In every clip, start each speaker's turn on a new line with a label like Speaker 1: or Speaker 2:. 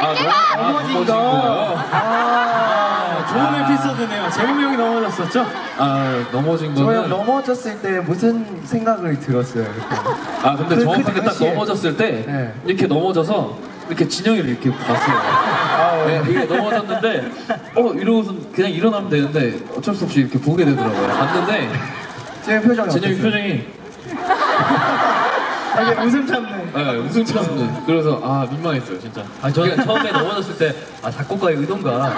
Speaker 1: 넘어진 거. 좋은 에피소드네요. 재범이 형이 넘어졌었죠?
Speaker 2: 넘어진
Speaker 3: 저 형
Speaker 2: 거는
Speaker 3: 넘어졌을 때 무슨 생각을 들었어요? 그때?
Speaker 2: 근데
Speaker 3: 그
Speaker 2: 정확하게 딱
Speaker 3: 당시에.
Speaker 2: 넘어졌을 때
Speaker 3: 네.
Speaker 2: 이렇게 넘어져서 이렇게 진영이를 이렇게 봤어요. 네, 이게 넘어졌는데 이러고서 그냥 일어나면 되는데 어쩔 수 없이 이렇게 보게 되더라고요. 봤는데
Speaker 3: 지금 표정이
Speaker 2: 진영이
Speaker 3: 어떠세요?
Speaker 2: 표정이
Speaker 1: 되게 웃음 참는.
Speaker 2: 네, 웃음 참는. 그래서 민망했어요 진짜.
Speaker 4: 저는 처음에 넘어졌을 때 작곡가의 의도인가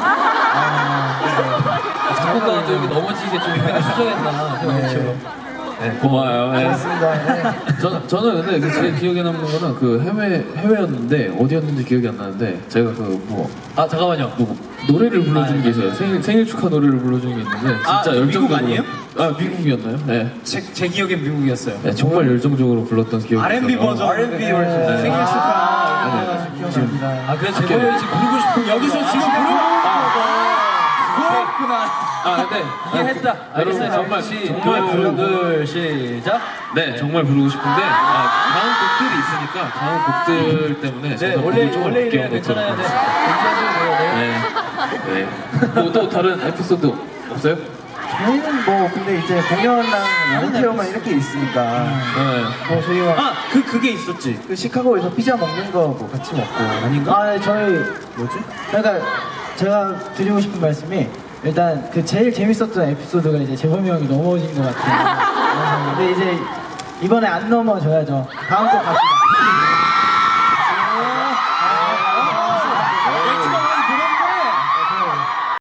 Speaker 4: 작곡가가 또 이렇게 넘어지게 좀 약간 수정했나 생각했죠.
Speaker 2: 고마워요. 네.
Speaker 3: 맞습니다. 네.
Speaker 2: 저는 근데 제일 기억에 남는 거는 그 해외였는데 어디였는지 기억이 안 나는데 제가
Speaker 4: 잠깐만요.
Speaker 2: 노래를 불러주는 게 있어요. 생일 축하 노래를 불러주는 게 있는데 진짜 열정적으로.
Speaker 1: 미국 아니에요?
Speaker 2: 미국이었나요? 네.
Speaker 1: 제 기억엔 미국이었어요.
Speaker 2: 네, 정말 열정적으로 불렀던 기억이
Speaker 1: R&B
Speaker 2: 있어요.
Speaker 1: 버전.
Speaker 3: R&B 버전.
Speaker 2: 네.
Speaker 1: 생일 축하.
Speaker 3: 기억납니다.
Speaker 4: 그래서 제가 지금 부르고 싶은
Speaker 1: 여기서 지금 그렇구나.
Speaker 2: 근데
Speaker 4: 이해했다.
Speaker 2: 여러분
Speaker 4: 알겠어요.
Speaker 2: 정말
Speaker 4: 둘 시작.
Speaker 2: 네, 정말 부르고 싶은데 다음 곡들이 있으니까 다음 곡들 때문에 제가 곡을 조금
Speaker 4: 원래
Speaker 2: 아껴
Speaker 4: 이래 괜찮아요.
Speaker 2: 놓도록
Speaker 4: 네.
Speaker 2: 하겠습니다. 네. 또 다른 에피소드 없어요?
Speaker 3: 저희는 근데 이제 공연랑 이벤트만 이렇게 있으니까
Speaker 2: 네.
Speaker 3: 저희가
Speaker 1: 그게 있었지.
Speaker 3: 그 시카고에서 피자 먹는 거 같이 먹고
Speaker 1: 아닌가?
Speaker 5: 저희 그러니까 제가 드리고 싶은 말씀이 일단 그 제일 재밌었던 에피소드가 이제 재범이 형이 넘어진 것 같아요. 근데 이제 이번에 안 넘어져야죠. 다음 곡 갑시다.